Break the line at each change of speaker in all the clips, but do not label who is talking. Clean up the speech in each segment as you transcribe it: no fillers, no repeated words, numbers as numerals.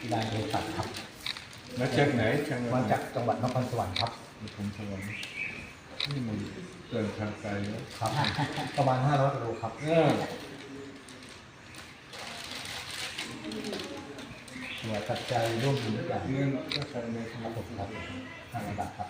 นายเภสัชครับ
มาจากไหน
มาจากจังหวัดนครสวรรค์ครับ
นครสวรรค์นี่มันเดินทางไกลแล้ว
ครับประมาณ500กิโลครับหัวตัดใจร่วมมือทุกอย่าง
เงินก็ใช้ใน
ค
ค
รั
รั
บบ ผมครับ500 บาทครับ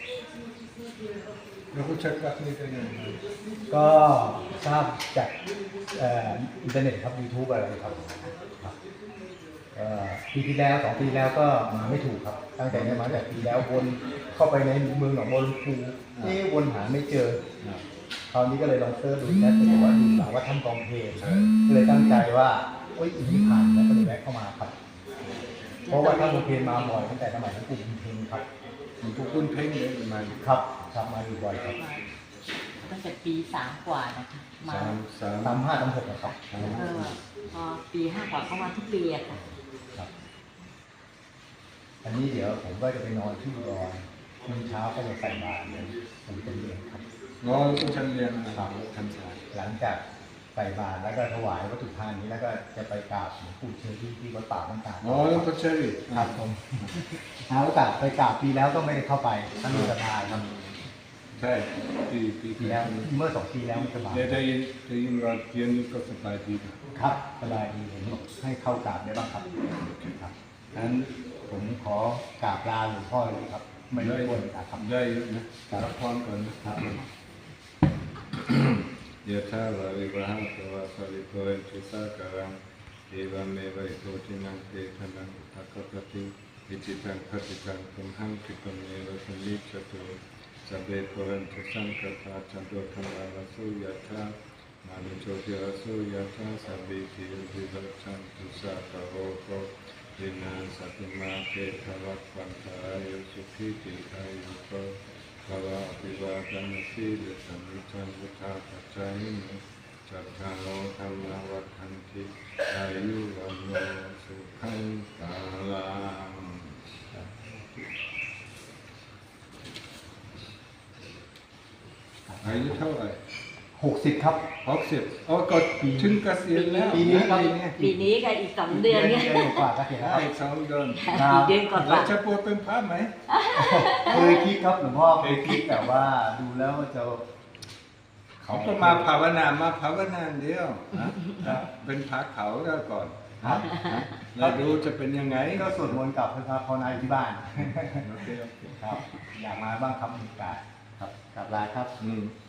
แล้วก็เช็คบัตรนี่ได้ยังไง
ก็ทราบจากอินเทอร์เน็ตครับยูทูบอะไรครับครับปีที่แล้ว2 ปีแล้วก็มาไม่ถูกครับตั้งแต่นี้มาแต่ปีแล้ววนเข้าไปในเมืองหนองบัวลำพูวนหาไม่เจอคราวนี้ก็เลยลองเซิร์ชดูแล้วก็บอกว่าดูหลังว่าท่านกองเพลงก็เลยตั้งใจว่าอีกนี้ผ่านแล้วก็เลยแวะเข้ามาครับเพราะว่าท่านกองเพลงมาบ่อยตั้งแต่สมัยท่านกลุ่มเพลงครับ
มีพวกคุณเพ่งเลยประมาณ
ครับมาอยู่บ่อยครับ
ตั้งแต่ปี3 กว่านะคะมา
35 36นะครับ
พอปี5 กว่าเข้ามาทุกปีอะค่ะ
ครับอันนี้เดี๋ยวผมก็จะไปนอนที่อุดรมื้อเช้าก็จะใส่บาตรเลยผมจะเรียนครับ
งอต้องชั้นเรียนนะครับชั้นสาย
หลังจากใส่บาตรแล้วก็ถวายวัตถุทานนี้แล้วก็จะไปกราบหลวงปู่เชอรี่ที่วัดป่าบ้านตาด
อ๋อแล้วก็เชอรี่
ครับผมหาโอกาสไปกราบปีแล้วก็ไม่ได้เข้าไปท่านมีศรัทธาครับ
ใช่ปี
ปีแล้วเมื่อ2 ปีแล้วมันสบาย
ได้ยินว่าเรียนก็สบายดีนะครับ
สบายดีผมให้เข้ากราบได้บ้างครับครับงั้นผมขอกราบลาหลวงพ่อเลยครับไม่รบกวนครับ
ได้นะรับพรก่อนนะครับ ยะถาวาริวหาสวะสริโกเรติสาการังเอวเมวะอิโตทินังเตชะนังอุทธัคปติอิจิตังปฏิตังตุมหังคิปะเมวะสมิจฉตุสัพเพปุเรนตุสังกปาจันโตธัมมาวัสสุยะถามานุโชติวัสสุยะถาสัพพิติวิวัชชันตุสัพพะโรโควินาศตุมาเตภวัตวันตายุสุขีติอายุโกภวะอภิวาทนาสีลสมิจันตุธาปัจจานิโนจัตตาโลธรรมวัฏันติอายุวันโนสุขังภาลังอายุเท่าไหร่
60 ครับ
60อ๋อก็ถึงเกษียณแล้ว
ปีนี้ครับ
ปีนี้ก็อีก2 เดือนเนี่ย
เดือนกว่าก็เห็นแล้ว
อีก2 เดือน
อีกเดือนก
แล้
ว่าว
จะบวชเป็นพระไหม
เคยคิดครับหลวงพ่อเคยคิดแต่ว่าดูแล้วจะ
เขาก็มาภาวนาเดียวนะเป็นพระเขาแล้วก่อน
ครับ
เราดูจะเป็นยังไง
ก็สวดมนต์กับพระภาวนาอยู่ที่บ้าน
โอเค
ครับ อยากมาบ้างครับมีโอกาสครับกลับลาครับ
อืม